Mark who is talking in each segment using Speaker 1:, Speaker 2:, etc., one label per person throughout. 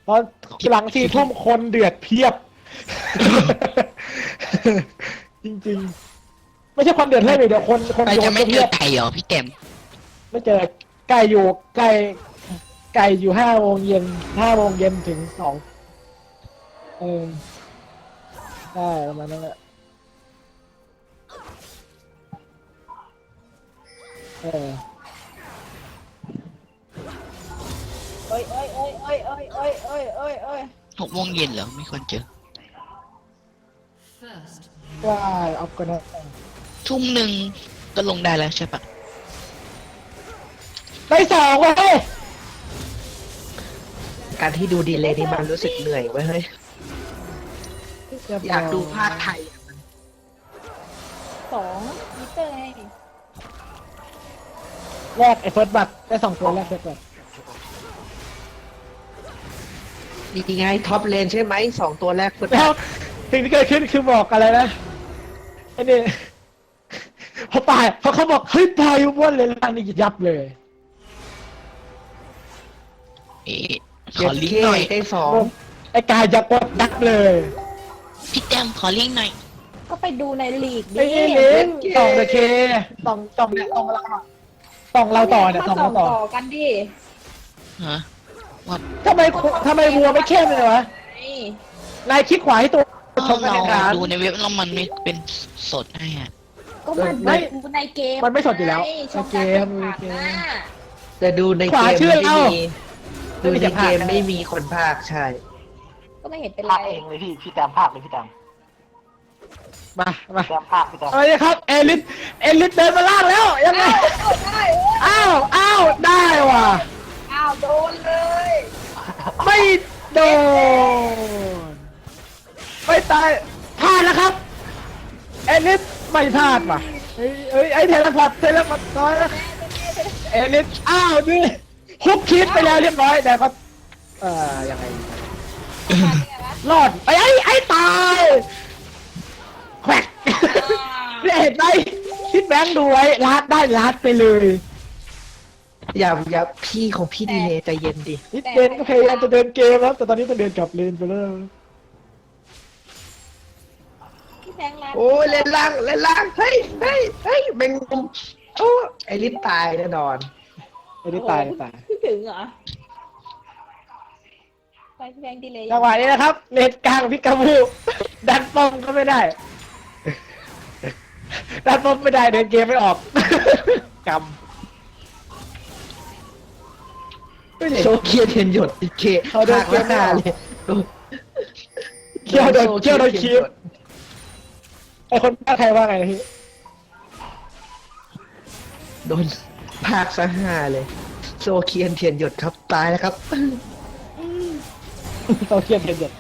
Speaker 1: เพราะหลัง4 ทุ่มคนเดือดเพียบ จริงๆไม่ใช่คนเดือดเล่นเลยเดี๋ยวคน
Speaker 2: เรา
Speaker 1: โย
Speaker 2: จะ
Speaker 1: น
Speaker 2: ไม่
Speaker 1: ก็
Speaker 2: เจ
Speaker 1: เพีย
Speaker 2: อบ ไก่เหรอพี่เต็ม
Speaker 1: ไม่เจอไก่อยู่ไก่อยู่5 โมงเย็นถึง2เออได้ประมาณนั้นแหละเออ
Speaker 3: เอ้ยเอ้ยเอ้ยเอ้ยเอ้ยเอ้ยเอ้ยเอ้ยเอ้ย
Speaker 2: 6 โมงเย็นเหรอไม่ควรเจอ
Speaker 1: ว่าเอาก็ได้
Speaker 2: 1 ทุ่มก็ลงได้แล้วใช่ปะ
Speaker 1: ได้2เว้ย
Speaker 4: การที่ดูดีเลยนี่มันรู้สึกเหนื่อยเว้ยเฮ้ยอยากดูภาคไทย
Speaker 3: 2มิเตอร์ไง
Speaker 1: แรกไอ้เฟิร์สบัตได้2 ตัวแรกเฟิร์สบัต
Speaker 4: ดีไงท็อปเลนใช่ไหม2 ตัวแรกสุด
Speaker 1: แล้วสิ่งที่เกิดขึ้นคือบอกอะไรนะไอ้นี่พอเขาบอกเฮ้ยพายุบ้วนเลยล่างนี่ยับเลย
Speaker 2: เอ๊ะข
Speaker 4: เก็
Speaker 2: อบ ลิง
Speaker 4: เค
Speaker 2: ก์หน่อย
Speaker 4: ได้สอง
Speaker 1: ไอ้กายยับยับเลย
Speaker 2: พี่เต็มขอลิงก์หน่อย
Speaker 3: ก็ไปดูในลีก
Speaker 1: ไอ้
Speaker 3: ดิ
Speaker 1: นี่ลิงต่องตะเคต่องเนี่ยต่องเราต่องเราต่อเนี่ยต่อง
Speaker 3: มา
Speaker 1: เรา
Speaker 3: ส่
Speaker 1: ต่อ
Speaker 3: ต่อกันดิ
Speaker 2: ฮะว่า
Speaker 1: ทำไมวัวไม่เข้มเลยวะ
Speaker 3: นี่
Speaker 1: นายคลิกขวาให้ตัวชมบร
Speaker 2: เรา
Speaker 1: รยากาศ
Speaker 2: ดูในเว็บแล้วมันไม่เป็นสดให้อ่ะ
Speaker 3: ก็มัน
Speaker 1: ไม่
Speaker 3: ดูในเกม
Speaker 1: มันไม่สดอยู่แล้ว
Speaker 3: ไงช่อง
Speaker 1: ในเกม
Speaker 3: การแข่งขันน่ะ
Speaker 4: แต่ดูใน
Speaker 1: ขวา
Speaker 4: เกม
Speaker 1: ชื่อ
Speaker 4: ไม่
Speaker 1: เรา
Speaker 4: มีดูในเกมไม่มีคนภาคใช่
Speaker 3: ก็ไม่เห็นเป็นไร
Speaker 5: ภาคเองเลยพี่แตมภาคเลยพี่แตม
Speaker 1: มา
Speaker 5: แตมภาคพี่แตม
Speaker 1: เอาเลยครับเอลิสเดินมาล่างแล้วยังไง
Speaker 3: ได้
Speaker 1: อ้าวได้ว่ะ
Speaker 3: อ้าวโดนเลย
Speaker 1: ไม่โดนไม่ตายพลาดแล้วครับเอลิสไม่พลาดว่ะไอ้เทเลพอร์ตน้อยแล้วเอลิสอ้าวนี่ฮุกคิดไปแล้วเรียบร้อยแต่ก็ยังไงรอดไอ้ตายแขวกเนี่ยเห็นไหมคิดแบงค์ดูไว้ลัดไปเลย
Speaker 4: อย่าพี่ของพี่ดีเลยใจเย็นดิ
Speaker 1: นิดเดนก็พยายามจะเดินเกมแล้วแต่ตอนนี้ต้องเดินกลับเลนไปแล้ว
Speaker 3: พี่แทงร้าน
Speaker 4: โอ้ยเล่นล่างเฮ้ยแมงมุมโอ้ไอริสตายแน่นอน
Speaker 1: ไม่ได้ตาย
Speaker 3: พี่ถึงเหรอไปพี่แทงดีเลย
Speaker 1: จังหวะนี้นะครับเลนกลางพิกาบูดันป้อมก็ไม่ได้ ดันป้อมไม่ได้เดินเกมไม่ออกกำ
Speaker 4: โชว์เคียร์เทียนหยดอีกเค
Speaker 1: เขาโดน
Speaker 4: ภาคละหน้าเลย
Speaker 1: เคี่ยวโดนคีบไอคนภาคใครว่าไงพี่
Speaker 4: โดนภาคซะห้าเลยโซเคียนเทียนหยดครับตายแล้วครับ
Speaker 1: โตเทียนเทียนเด็ด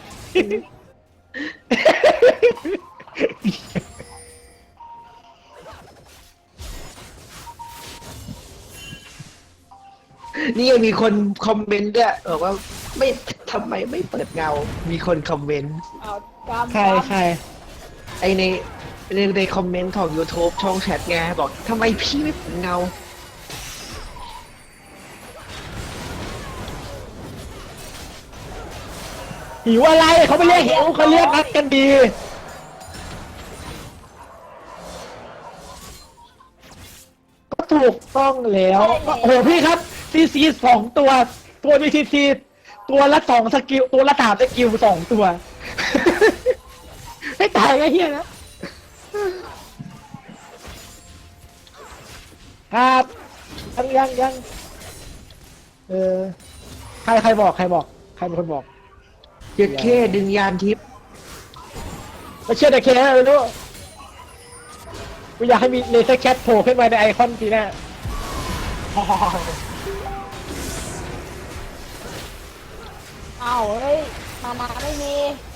Speaker 4: นี่ยังมีคนคอมเมนต์ด้วยบอกว่าไม่ทำไมไม่เปิดเงา มีคนคอมเมนต์
Speaker 3: เอากำ
Speaker 1: ใคร
Speaker 4: ไอในคอมเมนต์ของ YouTube ช่องแชทไงบอกทำไมพี่ไม่เปิดเงา
Speaker 1: หิวอะไรเขาไม่เรียกหิวเขาเรียกนัดกันดี ก็ถูกต้องแล้วก็โอ้โหพี่ครับซี2 ตัวมีซีตัวละ2 สกิลตัวละ3 สกิล2 ตัว ให้ตายก็เฮียนะครับยังใครบอกใครเป็นคนบอก
Speaker 4: เจ็ดเคดึงยานทิพย์
Speaker 1: ไม่เชื่อแต่เคนะไม่รู้กูอยากให้มีเลเซอร์แคทโผล่ขึ้นมาในไอคอนทีหน้า
Speaker 3: อ้าวเฮ้ยมาไม่มี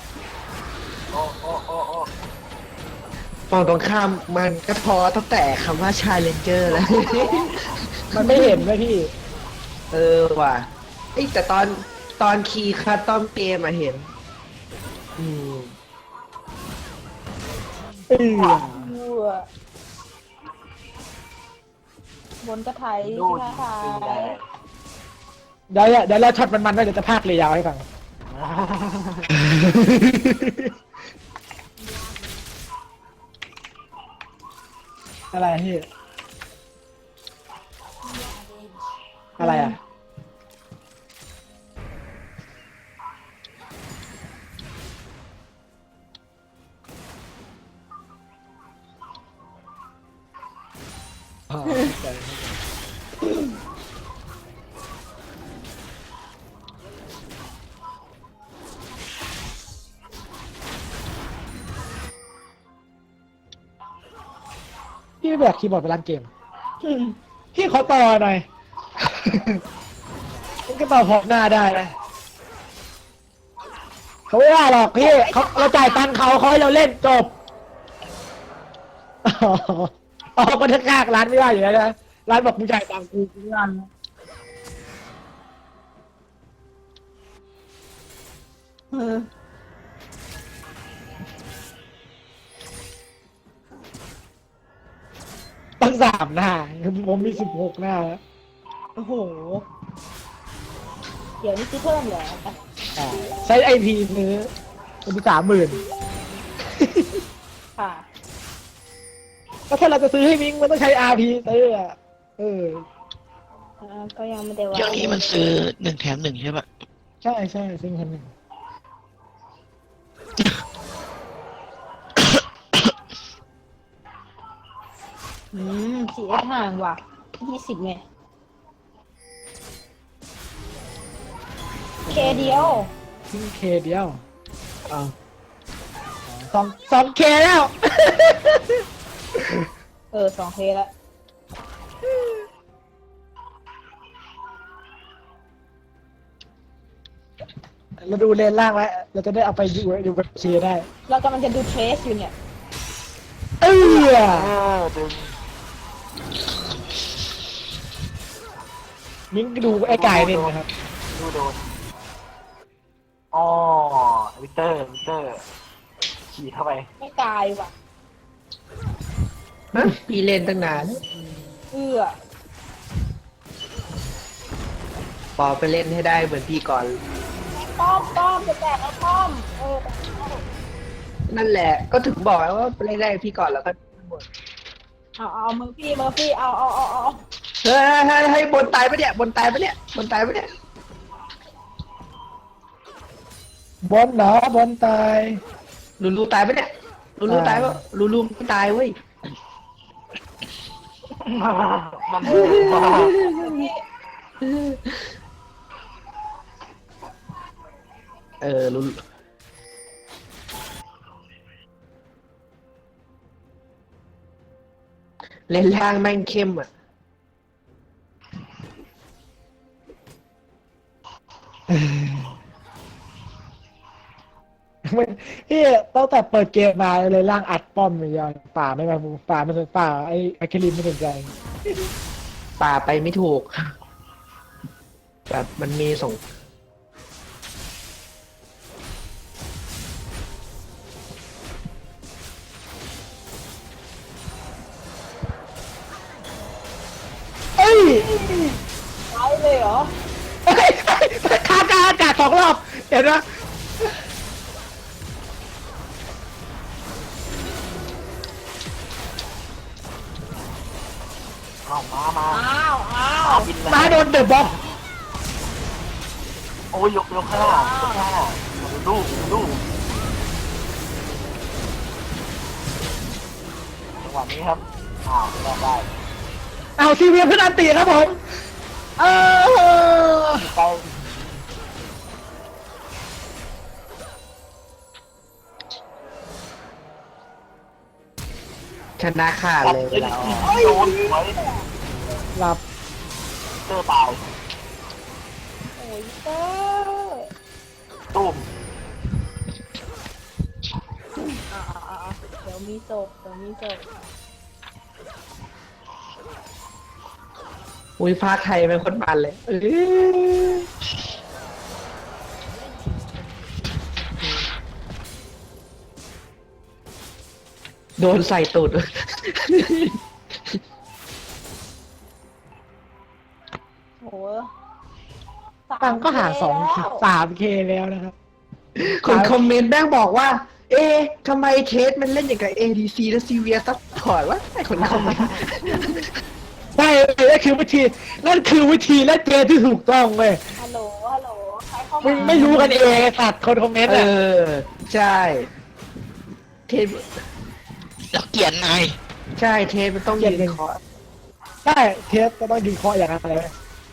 Speaker 4: ฝั่งตรงข้ามมันก็พอตั้งแต่คำว่าชาเลนเจอร์แล้ว
Speaker 1: มันไม่เห็นเลยพี่
Speaker 4: เออว่ะเอ้ยแต่ตอนคีย์คัสตอมเกมมาเห็น อืม
Speaker 3: บนกระไทย
Speaker 5: ดู
Speaker 3: ที่
Speaker 5: ดี
Speaker 3: ท้าทาย
Speaker 5: ได้
Speaker 1: เดี๋ยวเราช็อตมันไว้เดี๋ยวจะพากเลยยาวให้ฟังอะไรพี่อะไรอ่ะอ๋อใช่พี่ไม่แบกคีย์บอร์ดไปร้านเกมพี่ขอต่อหน่อย มันก็ต่อพร้อมหน้าได้นะเขาไม่ว่าหรอกพี่เขาเราจ่ายตังค์เขาให้เราเล่นจบอ๋ออ๋อก็ถ้ากากร้านไม่ว่าอยู่แล้วนะร้านบอกมึงจ่ายตังค์กูไม่ว่านะตั้ง3 หน้าผมมี16 หน้าแล้ว
Speaker 3: โอ้โหเดี๋ยวนี้ซื้อเพิ่มเหรอ
Speaker 1: อ่าใช้ไอพีซื้อมันมี30,000
Speaker 3: ค่ะ
Speaker 1: ก็ถ้าเราจะซื้อให้มิงมันต้องใช้ RP ซื้ออ่ะ
Speaker 3: ก็ยังไม่ได้ว่า
Speaker 2: เดี๋ยวนี้มันซื้อ1 แถม 1ใช่ปะ
Speaker 1: ใช่ใช่ซื้อคนหนึ่ง
Speaker 3: 4F ห่างว่ะ20ไงเคเดียว
Speaker 1: ทิ้งเคเดียวอ้าวสองเคแล้ว
Speaker 3: 2K แล้ว
Speaker 1: เราดูเลนล่างไว้เราจะได้เอาไปอยู่กับเคได้
Speaker 3: เรากำลังจะดูเทรสอยู่เนี่ย
Speaker 1: เออ
Speaker 5: ดึง
Speaker 1: มิงดูไอ้ไก่เนี่ยนะครับ
Speaker 5: ดูโดนอ๋อวิเตอร์ขี่เข้าไป
Speaker 3: ไม่ตายว่ะ
Speaker 4: ฮะพี่เล่นตั้งนาน
Speaker 3: เอื้อ
Speaker 4: ปอไปเล่นให้ได้เหมือนพี่ก่อน
Speaker 3: ป้อมจะแตกแล้วป้อม
Speaker 4: นั่นแหละก็ถึงบอกว่าไปเล่นได้พี่ก่อนแล้วก็หมด
Speaker 3: เอาเมอร์ฟี่เอา
Speaker 4: เฮ้ยให้บนตายปะเนี่ยบนตายปะเนี่ยบนตายปะเนี่ย
Speaker 1: บอลเหรอบอลตาย
Speaker 4: ลูตายปะเนี่ยลูตายปะลูไม่ตายเว้ย
Speaker 5: มัน
Speaker 4: ลูเล่นล่างแม่งเข้มอ่ะ
Speaker 1: พี่ตั้งแต่เปิดเกมมาเลยล่างอัดป้อมอย่างเดียวป่าไม่มาป่าไม่สนป่าไอ้เคลินไม่สนใจ
Speaker 4: ป่าไปไม่ถูกแบบมันมีส่ง
Speaker 1: เอ้ย
Speaker 3: ตายเลยเหรอ
Speaker 1: เฮ้ยคากลางอากาศ2 รอบเห็นไหม
Speaker 5: เอามา
Speaker 3: อ้าว
Speaker 5: บิน
Speaker 1: มาโดนเดอะบ็อก
Speaker 5: โอ้ยยกข้างหน้าดูจังหวะนี้ครับได้
Speaker 1: เอาซีเวียขึ้นอันตีครับผมเออ
Speaker 5: ไป
Speaker 4: ชนะขาดเลยเวลาออก
Speaker 5: โดนไว้
Speaker 1: หลับ
Speaker 5: เตอร์ตาย
Speaker 3: โอ้ยเตอร์
Speaker 5: ตุ้ม
Speaker 3: เดี๋ยวมีศพ
Speaker 4: อุ้ยฟ้าไทยเป็นคนมันเลยโดนใส่ตูด
Speaker 3: โห
Speaker 1: ตังก็ห่าง
Speaker 3: 3K แล้ว
Speaker 1: 3K แล้วนะครับ
Speaker 4: คนคอมเมนต์แม่งบอกว่า เอ๊ะทำไมเทสมันเล่นอย่างกับ ADC และซีเวียซัพพอร์ตวะไอ้คนคอมเมนต์
Speaker 1: ใช่นั่นคือวิธีนั่นคือวิธีและเจที่ถูกต้องเว้ย
Speaker 3: ฮัลโหลฮัลโหลใครเข้า
Speaker 1: มึ
Speaker 3: มาง
Speaker 1: ไม่รู้กันเองไอ้สัตว์คนคอมเมนต์
Speaker 4: เอ
Speaker 1: อ่ะ
Speaker 4: อ ใช่ เทส
Speaker 2: เราเกลียดนาย
Speaker 4: ใช่เทสมันต้องยืนคอร์ส
Speaker 1: ใช่เทสก็ต้องยืนเคาะอย่างนั้นเลย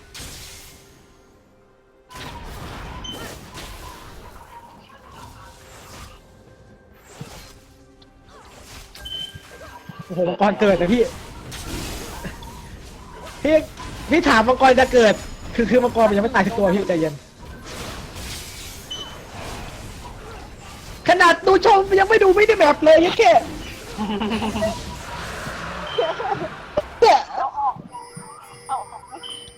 Speaker 1: โอ้โหมังกรเกิดนะพี่พี่ถามมังกรจะเกิด คือมังกรมันยังไม่ตายทุกตัวพี่ใจเย็นขนาดดูชมยังไม่ดูไม่ได้แบบเลยยังแค่เนี่ย
Speaker 3: เอาออกเอาออกไหม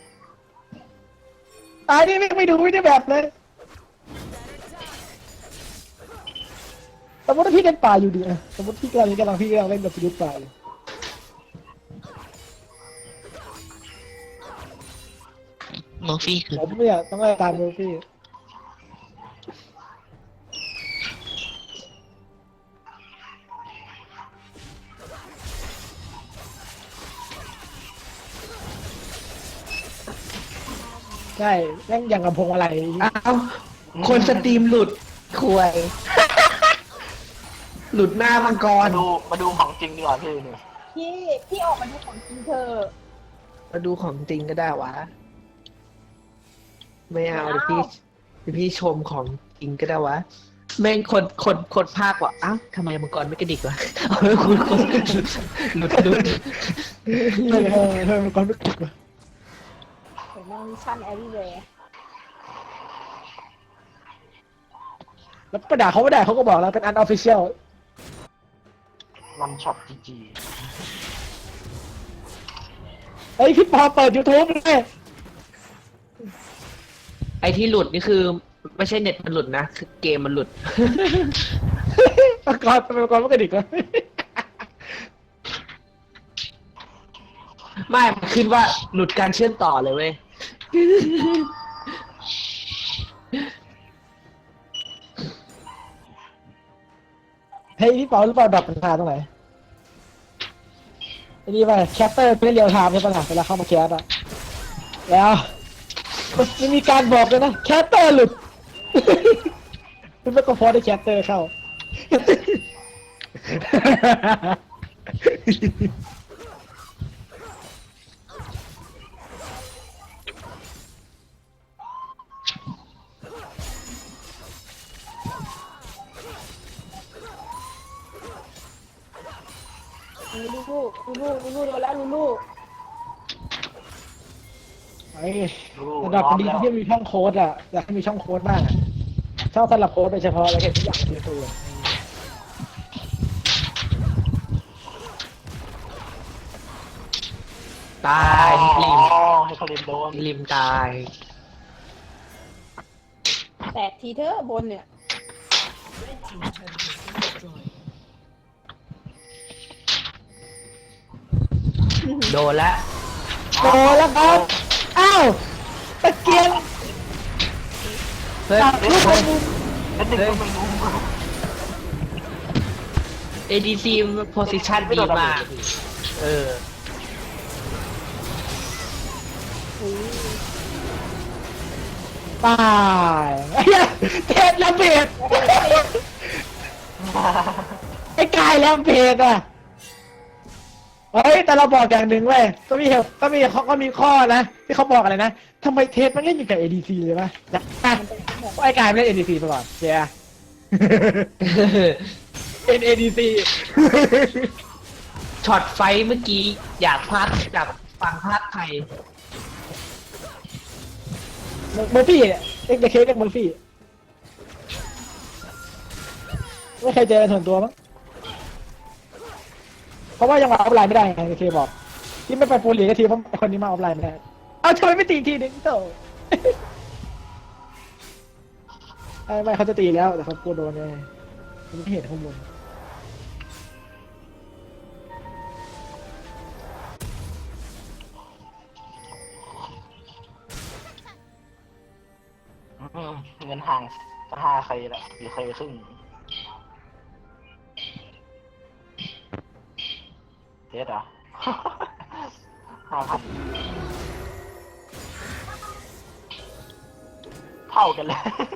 Speaker 1: ตายนี่ไม่ดูไม่ได้แบบเลยสมมติว่าพี่เล่นป่าอยู่ดีอะสมมติพี่กำลังเล่นแบบพิลุป่าอยู่
Speaker 2: เมอร์ฟี่คือ
Speaker 1: ผมเนี่ยต้องไล่ตามดูพี่ใช่แม่งอย่างกับพวงอะไร
Speaker 4: อ้าวคนสตรีมหลุดควย หลุดหน้ามังกร
Speaker 5: มาดูของจริงดีกว่าพี่เนี่ย
Speaker 3: พี่ออกมาดูของจริงเธอะ
Speaker 4: มาดูของจริงก็ได้วะ ไม่เอาเดี๋ยวพี่ชมของจริงก็ได้วะ แม่งคนภาคว่ะอ้าวทำไมมังกรไม่กระดิกวะเอาไว้คุณหลุด
Speaker 1: เธอมันก่อนไม่ถูกเลย
Speaker 3: เห็นมันมิชชั่นแอรีเวย์
Speaker 1: แล้วประดาเขาไม่ได้เขาก็บอกแล้วเป็นอันออฟฟิเชียล
Speaker 5: วันช็อตจีจี
Speaker 1: เฮ้ยพี่ปอเปิด YouTube เลย
Speaker 4: ไอที่หลุดนี่คือ ไม่ใช่เน็ตมันหลุดนะ คือเกมมันหลุด
Speaker 1: มังกรไม่กระดิกเลย
Speaker 4: ไม่มันขึ้นว่าหลุดการเชื่อมต่อเลยเว้ย
Speaker 1: เฮ้ยพี่ปอรู้เปล่าดับปัญหาตรงไหนไอ้นี่ไปแคปเตอร์ไม่เรียวไทม์ใช่ปะล่ะเวลาเข้ามาแคสอะแล้วมันมีการบอกเลยนะแคปเตอร์หลุด ไม่ก็พอได้แคปเตอร์เข้า
Speaker 3: ลูลูโดนแล้วลู
Speaker 1: ไอ้ระดับดีที่มีช่องโค้ดอ่ะอยากให้มีช่องโค้ดบ้างอะช่องสลับโค้ดโดยเฉพาะแล้วก็ทุกอย่างคือตัว
Speaker 4: ตายริม
Speaker 5: ให้เขาเล่นโดน
Speaker 4: ริมตาย
Speaker 3: แตกทีเธอบนเนี่ย
Speaker 4: โดนแล้ว
Speaker 1: โตแล้วครับอ้าวตะเกียง
Speaker 4: เฮ้ย
Speaker 1: ตัดลูกบอลมุม
Speaker 5: แล้วดึงก็ไม่รู้
Speaker 4: ADC position ดีมาก เออ
Speaker 1: ตายไอ้เหี้ยเทศระเบิดไอ้กายแล้วเพจอ่ะเฮ้ยแต่เราบอกอย่างหนึ่งเว้ยก็มีข้อนะที่เขาบอกอะไรนะทำไมเทสมันเล่นอยู่กับ ADC เลยปะนะไอ้กายไม่เล่น ADC ไปก่อนเจ๊ เป็น ADC
Speaker 4: ช็อตไฟเมื่อกี้อยากฟังภาคไทย
Speaker 1: เมอร์ฟี่เนี่ยเอ็กเดเคเรียกเมอร์ฟี่ไม่เคยเจอส่วนตัวมั้งเพราะว่ายังมาออฟไลน์ไม่ได้ไงเดเคบอกที่ไม่ไปปูลีกก็ทีเพราะคนนี้มาออฟไลน์ไม่ได้เอาทำไมไม่ตีอีกทีนึงโต ไม่เขาจะตีแล้วแต่เขากลัวโดนไงไม่เห็นข้างบน
Speaker 5: เงินห่างจะห้าเคแหละ4เคครึ่งเทสเหรอ 5,000 เท่ากันเลย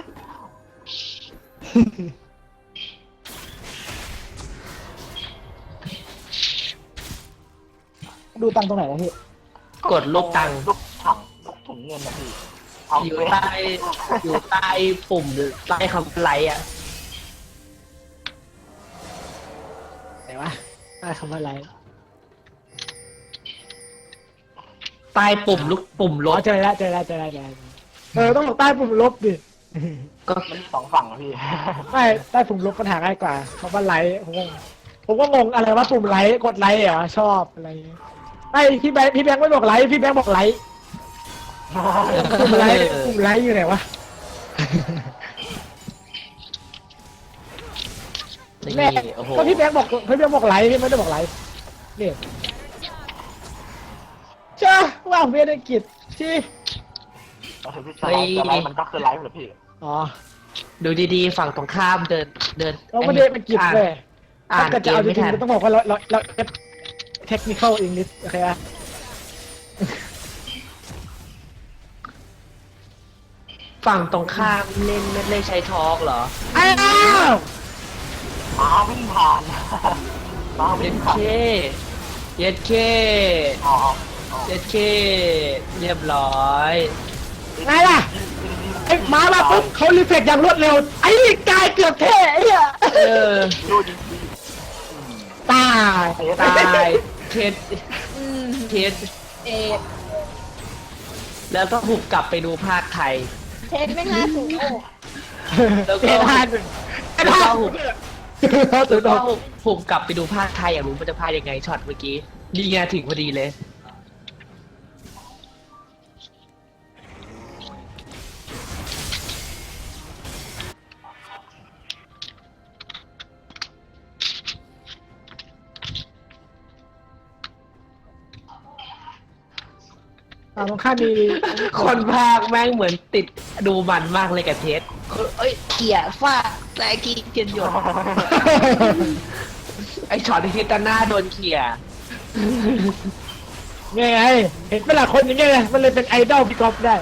Speaker 1: ดูตังค์ตรงไหนนะพี่
Speaker 4: กดลูกตังค์
Speaker 5: ลูกถังลูกถุงเงินนะพี่เอา
Speaker 4: อยู่
Speaker 5: ไป
Speaker 4: ใต้อยู่ใต้ปุ่มหรือใต้คำไลค์อ่ะ
Speaker 1: ไหนวะได้คำว่าอะไร
Speaker 4: ใต้ปุ่มลูกปุ่มล
Speaker 1: อ๋อบ เจอแล้วเจอแล้วเจอแล้วเจอแล้วต้องบอกใต้ปุ่มลบดิ
Speaker 4: ก็
Speaker 5: มันมี2 ฝั่งอะพี่
Speaker 1: ไม่ใต้ปุ่มลบปัญหาง่ายกว่าคำว่าไลค์ผมก็งงอะไรว่าปุ่มไลค์กดไลค์เหรอชอบอะไรอย่างเงี้ยไม่พี่แบงค์ไม่บอกไลค์พี่แบงค์บอกไลค์ปุ่มไลค์อยู่ไหนวะ
Speaker 4: นี่
Speaker 1: แม่
Speaker 4: โอ้โห
Speaker 1: ก็พี่แบงค์บอกไลค์พี่ไม่ได้บอกไลค์นี่จ้าว่าเวียนกิจที่
Speaker 5: ก็คือพี่จะไลฟ์มันก็คือไลฟ์เหรอพี่
Speaker 1: อ๋อ
Speaker 4: ดูดีๆฝั่งตรงข้ามเดิน
Speaker 1: เราไม่ได้เป็นกิจเลย
Speaker 4: อ่าน
Speaker 1: ถ้าเกิด
Speaker 4: เก
Speaker 1: จะ
Speaker 4: ม
Speaker 1: เอาจ
Speaker 4: ไม่
Speaker 1: ริง
Speaker 4: ทัน
Speaker 1: ๆก็ต้องบอกว่าเราเทคนิคอลอังกฤษโอเคอะ
Speaker 4: ฝั่งตรงข้ามเล่นไม่ได้ใช้ทอล์กเหรอ
Speaker 1: อ้าว
Speaker 5: ม้าวิ่งผ่าน ม้า
Speaker 4: เย็
Speaker 5: วิ่ง
Speaker 4: ด
Speaker 5: ผ่า
Speaker 4: เคน เย็ดเค
Speaker 5: อ๋อ
Speaker 4: เย็ดเคเรียบร้อย
Speaker 1: ไงล่ะไอ้หมามาปุ๊บเขารีเฟกอย่างรวดเร็วไอ้นี่กายเกือบเท่ไอ้เหี้ย
Speaker 5: ดูดิ
Speaker 1: ตาย
Speaker 4: ตายเคสเคส
Speaker 3: เอ
Speaker 4: แล้วก็หุบกลับไปดูภาคไทย
Speaker 3: เทสไม่น่าถูกโอ้
Speaker 4: แล้วก็
Speaker 1: เท่ทาน
Speaker 4: แล้วก็หุบ
Speaker 1: เขา
Speaker 4: แล้
Speaker 1: ตื่
Speaker 4: วน ก็
Speaker 1: ตก
Speaker 4: หุบกลับไปดูภาคไทยอยากรู้มันจะพายังไงช็อตเมื่อกี้นี่ไงถึงพอดีเลย
Speaker 1: ตรงข้ามมี
Speaker 4: คนภาคแม่งเหมือนติดดูมันมากเลยกับเทสเอ้ยเขี่ยฟ้าแซกีเทียนหยด ไอช็อตที่ทิตาหน้าโดนเขี่ย
Speaker 1: ไงเห็นเป็นหลายคนอย่างเงี้ยมันเลยเป็นไอดอลพี่ก๊อฟได้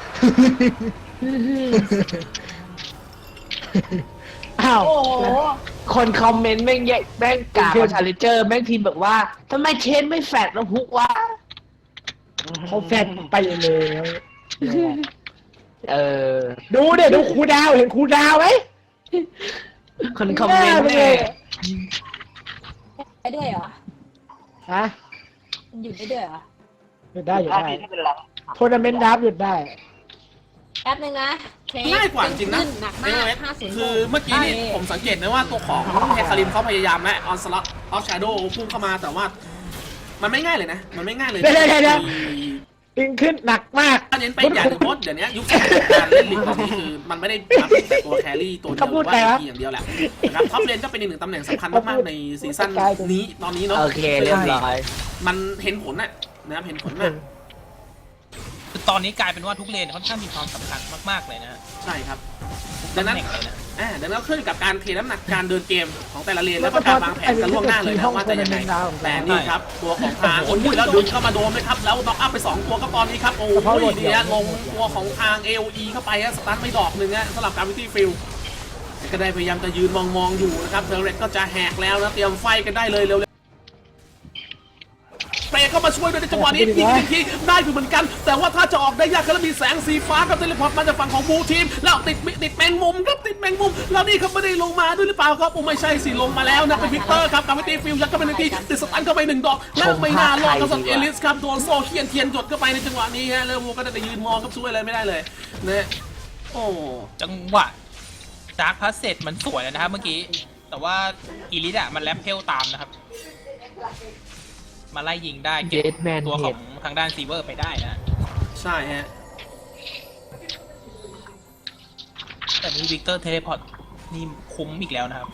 Speaker 1: อ้าว
Speaker 3: โอ้โห
Speaker 4: คนคอมเมนต์แม่งแม่งกล่าวชาเลนเจอร์แม่งพิมพ์แบบว่าทำไมเชนไม่แฟดแล้วฮุกวะ
Speaker 1: เขาแฟนไปเลย
Speaker 4: เออ
Speaker 1: ดูเดี๋ยวดูครูดาวเห็นครูดาวไหม
Speaker 4: คนคอมเมนต์แม่ง
Speaker 3: ได้ด้วยเหรอ
Speaker 1: ฮะ
Speaker 3: มันหยุดได้ด้วยเหรอ
Speaker 1: หยุดได้หยุด
Speaker 5: ได้
Speaker 1: ได้
Speaker 5: พี่ไม่เป็นไร
Speaker 1: ทัวร์นาเมนต์ดับหยุดได้
Speaker 3: แป๊บนึงนะเทส
Speaker 6: ง่ายกว่าจริงนะ
Speaker 3: ขึ้หนักมาก 50
Speaker 6: คือเมื่อกี้นี่ผมสังเกตนะว่าตัวของเฮคาริมเขาพยายามและออนสล็อตออฟชาโดว์พุ่งเข้ามาแต่ว่า มันไม่ง่ายเลยนะ มันไม่ง่ายเลย
Speaker 1: เดี๋ยว ดึงขึ้นหนักมาก
Speaker 6: ถ้าเน้นไปอย่างหนึงเพราะเดี๋ยวนี้ยุคการเล่นลีกตอนนี้คือมันไม่ได้มาเป็นแต่ตัวแครี่ตัวเดียวหรือว่าทีอย่างเดียวแหละนะครับท็อปเลนก็เป็นอีกหนึ่งตำแหน่งสำคัญมากๆในซีซั่นนี้ตอนนี้เนาะ
Speaker 4: โอเคเรียบร้อย
Speaker 6: มันเห็นผลนะครับเห็นผลมาก
Speaker 7: คือตอนนี้กลายเป็นว่าทุกเลนค่อนข้างมีความสำคัญมากๆเลยนะ
Speaker 6: ใช่ครับดังนั้น
Speaker 7: ตำแหน่งเลยนะ
Speaker 6: ดังนั้นขึ้นกับการเทน้ำหนักการเดินเกมของแต่ละเลนแล้วก็การวางแผนกันล่วงหน้าเลยนะว่าจะยังไงแต่นี่ครับตัวของทางโอ้ยแล้วดึงเข้ามาโดนเลยครับแล้วน็อกอัพไป2ตัวก็ตอนนี้ครับโอ้ยเนี่ยลงตัวของทาง AOE เข้าไปสตาร์ทไม่ดอกหนึ่งสำหรับการวิตี้ฟิลก็ได้พยายามจะยืนมองอยู่นะครับเทอร์เรตก็จะแหกแล้วนะเตรียมไฟกันได้เลยเร็วเปรย์เข้ามาช่วยด้วยในจังหวะนี้ยิงทีได้อยู่เหมือนกัน แต่ว่าถ้าจะออกได้ยากก็มีแสงสีฟ้ากับเทเลพอร์ตมาจากฝั่งของบูทีมแล้วติดแมงมุมครับติดแมงมุมแล้วนี่เขาไม่ได้ลงมาด้วยหรือเปล่าครับโอ้ไม่ใช่สิลงมาแล้วนะเป็นวิกเตอร์ครับกับวิตีฟิลยัดเข้าไปหนึ่งทีติดสตันเข้าไป1 ดอกแล้วไม่น่ารอดกับสัตว์เอลิสครับโดนโซ่เทียนหยดเข้าไปในจังหวะนี้ฮะแล้ววัวก็ได้แต่ยืนมองครับช่วยอะไรไม่ได้เลยนะโอ้
Speaker 7: จังหวะดาร์คพาสเซตมันสวยนะครับเมื่อกี้ แต่ว่าอีลิทอะมันแรปเพลตามนะครับ มาไล่ยิงได้เก็บ
Speaker 4: Deadman
Speaker 7: ตัวของทางด้านซีเวอร์ไปได้นะ
Speaker 6: ใช่ฮะ
Speaker 7: แต่นี้วิกเตอร์เทเลพอร์ตนี่คุ้มอีกแล้วนะครับ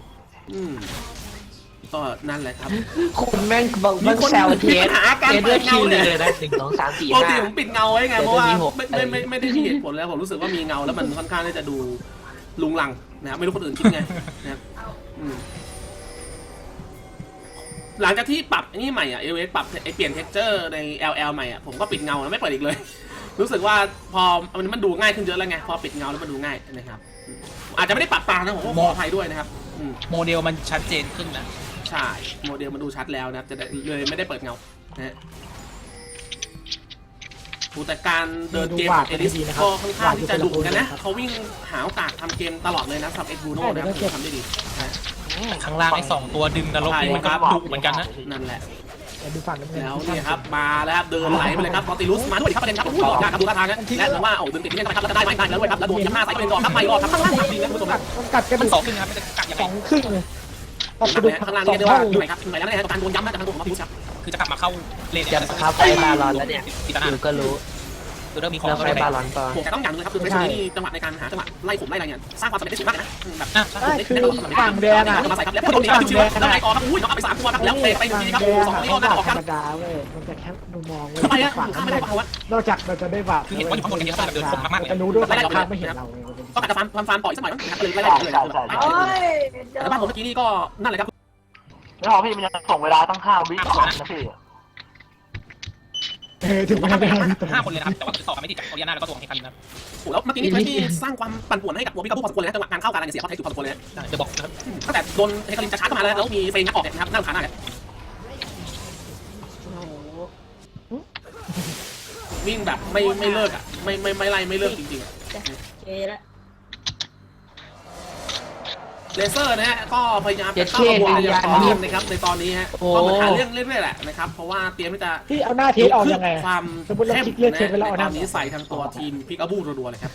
Speaker 6: ก็นั่นแหละครับ
Speaker 4: คนแม่งบอกแม่งแซวเทส
Speaker 6: มีปัญหาการ
Speaker 4: เทส
Speaker 6: เปิ
Speaker 4: ด้วย
Speaker 6: ด
Speaker 4: คิ
Speaker 6: เงาว
Speaker 4: เล
Speaker 6: เนี่ย
Speaker 4: ยนะ1 2 3 4
Speaker 6: ปกติผม
Speaker 4: 5
Speaker 6: ปิดเงาไว้ไงเพราะว่า
Speaker 4: เดี๋ยวจะมีหก
Speaker 6: ไม่ได้มีเหตุผลแล้วผมรู้สึกว่ามีเงาแล้วมันค่อนข้างที่จะดูลุงลังนะครับไม่รู้คนอื่นคิดไงนะครับหลังจากที่ปรับนี่ใหม่อ่ะเอเวปรับไอเปลี่ยนเท็กเจอร์ใน LL ใหม่อ่ะผมก็ปิดเงาแล้วไม่เปิดอีกเลย รู้สึกว่าพอมันดูง่ายขึ้นเยอะแล้วไงพอปิดเงาแล้วมันดูง่ายนะครับอาจจะไม่ได้ปรับปรางนะผมก็ขออภัยด้วยนะครับ
Speaker 7: โมเดลมันชัดเจนขึ้นนะ
Speaker 6: ใช่โมเดลมันดูชัดแล้วนะครับจะเลยไม่ได้เปิดเงานะฮะแต่การเดินเกมของเอลิสก็ค่อนข้างที่จะดุกันนะเขาวิ่งหาโอกาสทำเกมตลอดเลยนะสำหรับเอ็กบูโน่นะครับทำได้ดีนะ
Speaker 7: ข้างล่างไอ้2 ตัวดึงนรกนี่มันก็ดุเหมือนกันนะ
Speaker 6: นั่นแหละ
Speaker 1: เดี๋ยวดูฝั่งน้ำเงิน
Speaker 6: แล้วเนี่ยครับมาแล้วครับเดินไหลไปเลยครับบอติลุสมาด้วยครับประเด็นครับผู้ต่อยากครับดูท่าทางนะและหรือว่าดึงติดที่นี่นะครับแล้วจะได้ไหมได้แล้วด้วยครับแล้วโดนยัดหน้าใส่ไปเป็นก่อนครับไม่รอดครับข้างล่างดีนะคุณผู้ชมครับ
Speaker 1: มันกัดกระ
Speaker 7: มั
Speaker 1: ดู
Speaker 7: น
Speaker 1: ก
Speaker 7: 2 ครึ่งครับมันจะกัดยัง
Speaker 1: ส
Speaker 7: ไง
Speaker 1: องครึ่งเลยออกกระดูก
Speaker 6: ข้างล่าง
Speaker 1: สอ
Speaker 6: นี่
Speaker 1: ง
Speaker 6: เรียกว่า
Speaker 1: เท่า
Speaker 6: อยู่ไหนครับอยู่ไหนแล้วนะการโดนย้ำนะการโดนของพุชครับ
Speaker 7: คือจะกลับมาเข้าเลน
Speaker 4: จะเข้าไปบาลอนแล้วเนี่ย
Speaker 7: ติดตาหน้า
Speaker 4: ดูก็รู้
Speaker 7: ดูเริ่มมีของ
Speaker 4: เรา
Speaker 7: เข้า
Speaker 4: ไป
Speaker 7: ไป
Speaker 4: บาลอนก่อน
Speaker 6: แต่ต้องอย่างนึงครับคือเฟสนี้จังหวะในการหาจังหวะไล่ผมไล่อะไรเนี่ยสร้างความสำเร็จได้สูงมากนะแบบ
Speaker 1: ใช่คือฝั่งแดงอ่ะ
Speaker 6: มาใส่ครับแล้วโดนครับชิวๆแล้วไล่ต่อครับอุ้ยน้องเอาไป3 ตัวครับแล้วเตะไปทีครับ
Speaker 1: แดง
Speaker 6: 2
Speaker 1: อ่ะ
Speaker 6: นี้
Speaker 1: เขา
Speaker 6: ก็
Speaker 1: ด่า
Speaker 6: ได้ออก
Speaker 1: ธ
Speaker 6: ค
Speaker 1: ร
Speaker 6: รับ
Speaker 1: รมดาเว้ยมันจะแค่มุมมองเว้ย
Speaker 6: ทำไมอะ
Speaker 1: ฝั่ง
Speaker 6: ข้ามไม่ได้เพราะว่าน
Speaker 1: อกจากเราจะได้บาป
Speaker 7: คือเห็นว่าอยู่ข้างบนอย่างเงี้ยแบบเดินคมมากๆเลย
Speaker 1: จะรู้ด้วยว่าข้างไม่เห็นเรา
Speaker 6: ก็อาจจะฟันต่อยสักหน่อยนะครับก็เลยไล่เลย
Speaker 3: โอ้ย
Speaker 6: แต่บ้านผมเมื่อกี้นี่ก็นั่นแหละครับ
Speaker 5: ไม่พอพี่มันยังส่งเวลาตั้ง5 วิก่อนนะพี่
Speaker 1: ถึงมันจะ
Speaker 7: 5 คนเลยนะครับแต่ว่าต่อไม่ติดจากโอเลียนาแล้วก็ตัวของเฮคันนะครับ
Speaker 6: โอ้แล้วเมื่อกี้นี่ที่สร้างความปั่นป่วนให้กับตัวพี่กระพู้พอสมควรเลยนะจังหวะการเข้าการเสียเขาใช้จุดพอสมควรเลย
Speaker 7: เดี๋ยวบอกนะครับ
Speaker 6: ตั้งแต่โดนเฮคารินจะชาร์จเข้ามาแล้วมีเฟรนงัดออกเนี่ยนะครับน่ารำคาญมากเลยวิ่งแบบไม่เลิกอ่ะไม่ไล่ไม่เลิกจริงๆอ่ะ
Speaker 3: เจละ
Speaker 6: เลเซอร์นะฮะก็พยายามจะเข้าระบบอย่างต่อเนื่องนะครับในตอนนี้ฮะก็เหมือนหาเรื่องเรื่อยๆแหละนะครับเพราะว่าเตรียมที่จะ
Speaker 1: ที่เอาหน้าเทสออกยังไง
Speaker 6: ความ
Speaker 1: สมมติเราคลิกเลือกเทสไปแล้วเอาห
Speaker 6: ต
Speaker 1: น้า
Speaker 6: อนนี้ใส่ทางตัวทีมพิกาบูรัวๆเลยครับ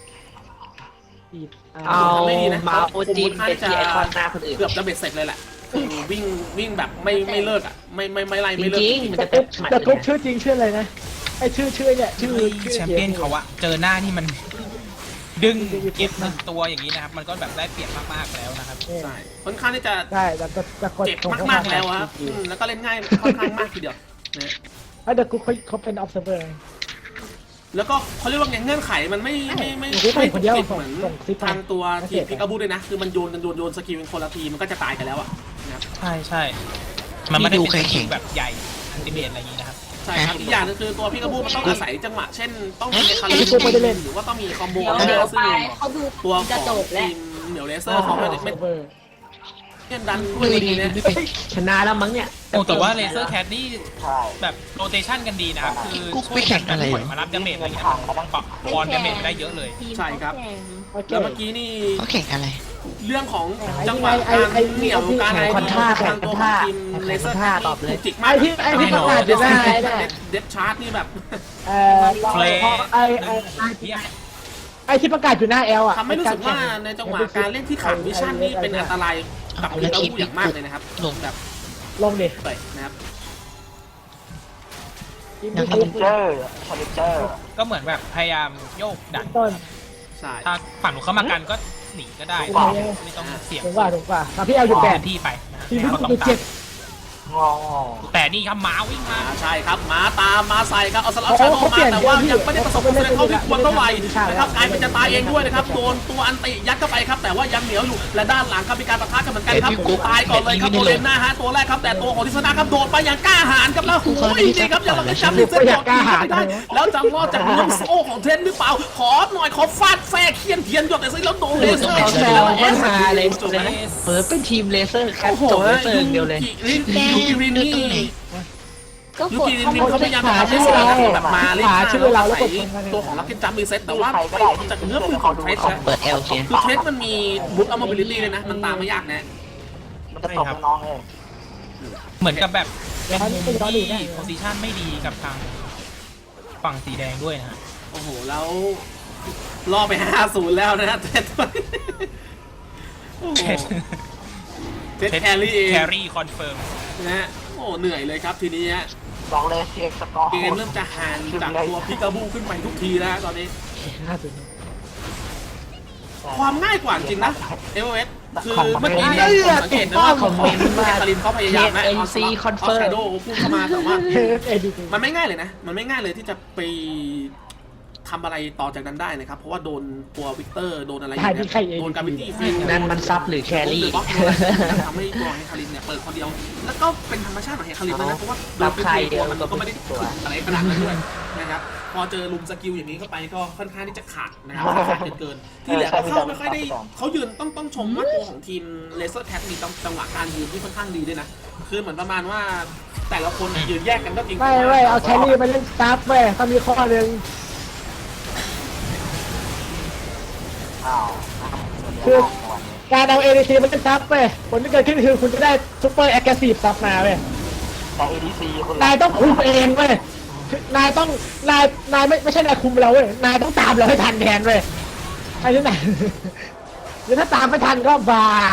Speaker 4: เอา
Speaker 6: ไม่ดีนะ
Speaker 4: มาโอจีนเป็นที่ไอคอนหน้าคนอื่น
Speaker 6: เกือบจะเบ็ดเสร็จเลยแหละวิ่งแบบไม่เลิกอ่ะไม่ไล่
Speaker 4: จ
Speaker 6: ไม่เลิก
Speaker 4: ริง
Speaker 6: จริง
Speaker 4: ๆมัน
Speaker 1: แต่
Speaker 4: จะเป็นหมัด
Speaker 1: แต่
Speaker 4: เลย
Speaker 1: ทุก
Speaker 4: นะ
Speaker 1: ชื่อจริงชื่ออะไรนะไอชื่อเนี่ยชื่อ
Speaker 7: แชมเปี้ยนเขาอะเจอหน้านี่มันดึงเก็บ1 ตัวอย่างนี้นะครับมันก็แบบได้เปรียบมากๆแล้วนะครับ
Speaker 6: ใช่ค่อนข้างที่จะ
Speaker 1: ได้แต่คน
Speaker 6: เจ็บมากๆแล้วครับแล้วก็เล่นง่ายค่อนข้างมากทีเดียวนะ
Speaker 1: เดี๋ยวกูเขาเป็น observer
Speaker 6: แล้วก็เขาเรียกว่าไงเงื่อนไขมันไม่เหมือนทางตัวทีมพิกาบูด้วยนะคือมันโยนสกิลเป็นคนละทีมันก็จะตายกันแล้วอ่ะนะครับ
Speaker 7: ใช่มันไม่ได้เป็นทีมแบบใหญ่อันติเมตอะไรอย่างนี้นะครับ
Speaker 6: ใช่ครับอีกอย่างนึงคือตัวพิกาบูมันต้องอาศัยจังหวะเช่นต้องมีคาริหรือว่าต้องมีคอมโบ
Speaker 3: เดี๋ยว
Speaker 6: ซึ่
Speaker 3: ไป
Speaker 6: ง
Speaker 3: เขาดู
Speaker 6: ตัวข
Speaker 3: จะ
Speaker 6: อง
Speaker 3: จบแล้
Speaker 6: ที
Speaker 3: ว
Speaker 6: มเหนียวเลเซอร์เขาไม่
Speaker 1: observer
Speaker 6: ดันด้วยดีนะ
Speaker 4: ชนะแล้วมั้งเนี่ย
Speaker 7: โอ้แต่ว่าเลเซอร์แคทนี่
Speaker 5: ใช่
Speaker 7: แบบโรเตชันกันดีนะครับคือ
Speaker 2: กุ๊กไปแข่งอะไร
Speaker 7: ช่วยกันมารับดาเมจอะไรเงี้ยปรับบอลดาเมจได้เยอะเลย
Speaker 6: ใช่ครับ
Speaker 1: โอเค
Speaker 6: แล้วเมื่อกี้นี่
Speaker 2: เขาแข่งอะไร
Speaker 6: เรื่องของจังหวะการเหนี่ยวการอะไรทางตัวของทีมเลเซอร์จิก
Speaker 1: ไอ
Speaker 6: มาก
Speaker 1: ที่ประกาศอยู่หน้าไอ้เนี่ย
Speaker 6: เดฟชาร์ตนี่แบบ
Speaker 7: เฟล
Speaker 1: ไอที่ประกาศอยู่หน้าแอลอ่ะ
Speaker 6: ทำให้รู้สึกว่าในจังหวะการเล่นที่ขาดวิชั่นนี่เป็นอันตรายกับทีมเราอย่างมากเลยนะครับแบบ
Speaker 1: ลงดิ
Speaker 6: เตะนะครับ
Speaker 5: ชาเลนเจอร์
Speaker 7: ก็เหมือนแบบพยายามโยกดัน
Speaker 1: ต้น
Speaker 6: ใช่
Speaker 7: ถ้าฝั่งหนูเข้ามากันก็หนีก็ได้
Speaker 1: ถูกกว่า
Speaker 7: ไม่ต้องเสี่ยง
Speaker 1: ถูกกว่าตอนพี่แอลอยู่แปด
Speaker 7: พื้นที่ไปนะ
Speaker 1: ทีม
Speaker 7: แล้วก็ต้อ
Speaker 1: อยู่
Speaker 7: งตา
Speaker 1: เจ็
Speaker 7: ม
Speaker 1: ด
Speaker 5: งอ
Speaker 7: แต่นี่ครับหมาวิ่งมา
Speaker 6: ใช่ครับมาตามมาใส่ครับเอาสลับชาโดมาแต่ว่ายังไม่ได้ประสบความสำเร็จเท่าที่ควรเท่าไหร่นะครับกลายเป็นจะตายเองด้วยนะครับโดนตัวอันติยัดเข้าไปครับแต่ว่ายังเหนียวอยู่และด้านหลังครับมีการปะทะกันเหมือนกันครับตายก่อนเลยครับโดนหน้าฮะตัวแรกครับแต่ตัวของทิศนาครับโดดไปอย่างกล้าหาญครับแล้วโอ้ยนี่ครับยังเราจำที่เส้นบอกไม่ได้แล้วจะรอดจากน้ำโซ่ของเทนหรือเปล่าขอหน่อยขอฟาดแฟร์เคียนเทียนหยดแต่ซิแล้วโดนเลเซอร์
Speaker 4: แล้วก็มาเลยเปิดเป็นทีมเลเซอร์แคท
Speaker 6: โอ้โห
Speaker 4: จบเลเซอร์อย่างเดียวเลย
Speaker 6: ยูกิรินนี่
Speaker 3: ก็
Speaker 6: ยู
Speaker 3: กด
Speaker 6: กิริน
Speaker 3: เขา
Speaker 6: นี่เขาพยายามจะทำให้เสียแบบมาเล่นตัวของลักเก็ตจัมมีเซตแต่ว่าจากเนื้อปืนของเทสนะ
Speaker 2: เปิดเอลเสีย
Speaker 6: คือเทสมันมีบุ๊กอัลมาบิลิตี้เลยนะมันตามไม่ยากนะ
Speaker 5: มันจะตกน้องเอง
Speaker 7: เหมือนกับแบบเป็น
Speaker 1: ย้อน
Speaker 7: ทีม
Speaker 1: ไปย้อนอีกได้
Speaker 7: ที่โพซิชันไม่ดีกับทางฝั่งสีแดงด้วยนะฮะ
Speaker 6: โอ้โหแล้วล่อไป 5-0 แล้วนะเทสโอ้โหเทสแครี่เอง
Speaker 7: แครี่คอนเฟิร์ม
Speaker 6: นะฮะโอ้เหนื่อยเลยครับทีนี้
Speaker 5: บอกเลยเช็คสกอร์
Speaker 6: เกมเริ่มจะห่างจากตัวพิกาบูขึ้นไปทุกทีแล้วตอนนี้ ความง่ายกว่าจริงนะเอเวอเรสต์คือเมื่อกี้เนี่ยผมสังเกตนะว่าของคารินเขาพยายามนะเอาชาโดว์พุ่งเข้ามาแต่ว่า มันไม่ง่ายเลยนะมันไม่ง่ายเลยที่จะไปททำอะไรต่อจากนั้นได้นะครับ เพราะว่าโดนตัววิกเตอร์โดนอะไรอ
Speaker 1: ใช่
Speaker 6: ย่าง
Speaker 1: ที่
Speaker 6: เงี้
Speaker 1: ใคร
Speaker 6: ย
Speaker 1: เอง
Speaker 6: โดนกาวิตี้ฟีด
Speaker 4: นั่นมันซับหรือแครี่
Speaker 6: บล็อกทำให้ตัวเฮคารินเนี่ยเปิดคนเดียว แล้วก็เป็นธรรมชาติของเฮคารินด้วยนะเพราะว่าโดนเป็นตัวมันก็ไม่ได้ถึงอะไรขนาดนั้นด้วยนะครับพอเจอลุมสกิลอย่างนี้เข้าไปก็ค่อนข้างที่จะขาดนะครับขาดเกินที่เหลือก็เข้าไม่ค่อยได้เขายืนต้องชมว่าตัวของทีมเลเซอร์แท็กมีจังหวะการยืนที่ค่อนข้างดีด้วยนะคือเหมือนประมาณว่าแต่ละคนยืนแยกกันก็จริง
Speaker 1: ไม่เว้ยเอาแครี่มาเล่นสตาร์ฟเว้ยต้องมีข้อหนึ่ง
Speaker 5: อ้าว
Speaker 1: คือการเอา ADC มาเล่นซับเว้ยผลที่เกิดขึ้นคือคุณจะได้ซุปเปอร์แอคทีฟซับมาเว้ย
Speaker 5: แต่ ADC คุณ
Speaker 1: นายต้องคุมเองเว้ยนายต้องนายไม่ใช่นายคุมเราเว้ยนายต้องตามเราให้ทันแทนเว้ยไอ้ที่ไหนหรือถ้าตามไม่ทันก็บาย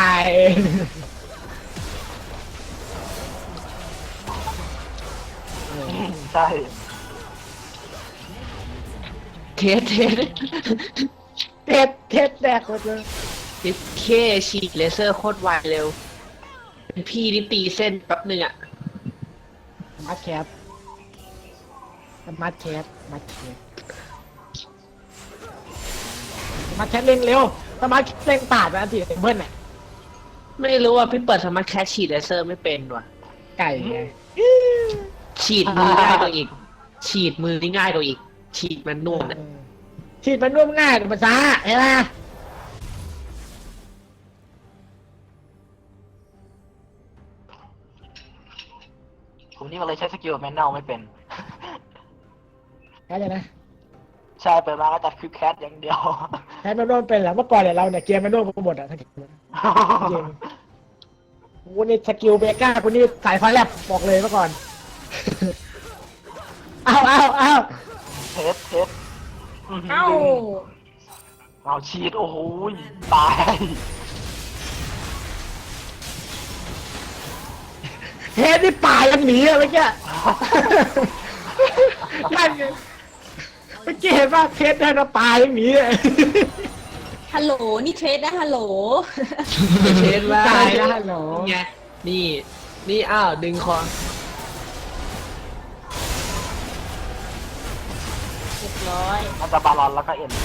Speaker 5: ใช่
Speaker 4: เทส
Speaker 1: เทสแดกหมดเลย
Speaker 4: เคฉีดเลเซอร์โคตรไวเร็ว เป็นพี่นี่ตีเส้นแป๊บหนึ่งอะ
Speaker 1: มาแคปมาแคปเร่งเร็วสมาร์ทเร่งปาดไปอันที่เบิ้ลน่ะ
Speaker 4: ไม่รู้ว่าพี่เปิดสมาร์ทแคชฉีดเลเซอร์ไม่เป็นว่ะ
Speaker 1: ไก่ไง
Speaker 4: ฉีดมือง่ายกว่าอีก ฉีดมือนี่ง่ายกว่าอีก ฉีดมันนุ่มนะ
Speaker 1: ฉีดมันนุ่มง่ายแต่มันช้าเห็นไหม
Speaker 5: ผมนี่มันเลยใช้สกิลแมนนอลไม่เป็น
Speaker 1: แค่นี้นะ
Speaker 5: ใช่เปิดมาก็จัดคือแคทอย่างเดียว
Speaker 1: แค่มันนุ่มเป็นแหละเมื่อก่อนเนี่ยเราเนี่ยเกมมันนุ่มกันหมดอ่ะทั้งเกมจริงกูนี่สกิลเบก้ากูนี่สายฟ้าแลบบอกเลยเมื่อก่อนเอา
Speaker 5: เทสเอาฉีดโอ้โหตาย
Speaker 1: เฮดนี่ป่ายังหนีอะเมื่อกี้นั่นไงเมื่อกี้เห็นว่าเทสได้นะป่ายังหนีเลย
Speaker 3: ฮัลโหลนี่เทรดนะฮัลโหล
Speaker 4: เทสว่า
Speaker 1: ตายแล้วฮัลโหล
Speaker 4: ไงนี่อ้าวดึงคอ
Speaker 3: เรียบร้อย
Speaker 5: มันจะบาลอนแล้วก็เอ็น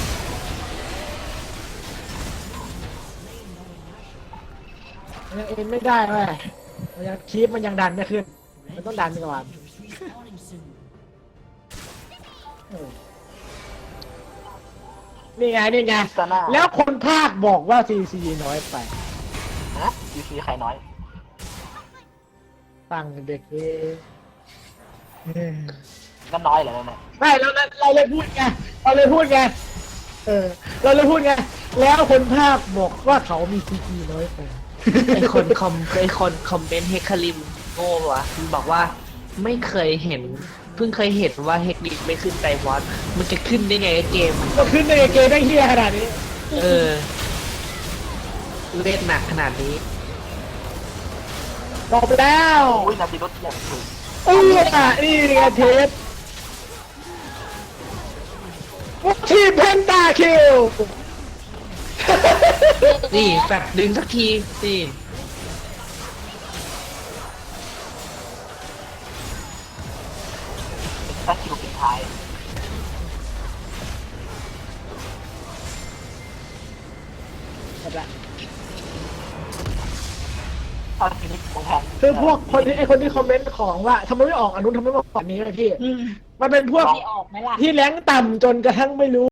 Speaker 1: ยังเอ็นไม่ได้เว้ยมันยังคีปมันยังดันไม่ขึ้นมันต้องดันไปก่อนนี่ไง
Speaker 5: ซาน่า
Speaker 1: แล้วคนภาคบอกว่าซีซีน้อยไป
Speaker 5: นะยูซีใครน้อย
Speaker 1: ฟังเด็กเอง
Speaker 5: ก็น้อยเหรอเนี่ย
Speaker 1: ไม่เราเลยพูดไงเราเลยพูดไงแล้วคนภาคบอกว่าเขามีซีซีน้อยไป
Speaker 4: ไอคนคอมเมนต์เฮคาริมโง่วะมันบอกว่าไม่เคยเห็น เพิ่งเคยเห็นว่าเฮกลิกไม่ขึ้นไดวอตมันจะขึ้นได้ไงเกม
Speaker 1: ก็ขึ้นในเกมได้เฮียขนาดนี้
Speaker 4: เล่นหนักขนาดนี้
Speaker 1: ตอบไปแล้ว
Speaker 5: อุ้ยนาทีรถอย่างถูก
Speaker 1: นี่ไงเทสทีมเพนตาคิว
Speaker 4: นี่แฟบดึงสักทีนี่
Speaker 5: ตัดคิวปิดท้ายเอาทีนี้ผมแทน
Speaker 1: คือพวกคนที่คนที่คอมเมนต์ของว่าทำไมไม่ออกอันนู้นทำไมไม่ออกอันนี้เลยพี่ มันเป็นพวก
Speaker 3: ไม่ออกไหมล่ะ
Speaker 1: ที่แรงต่ำจนกระทั่งไม่รู้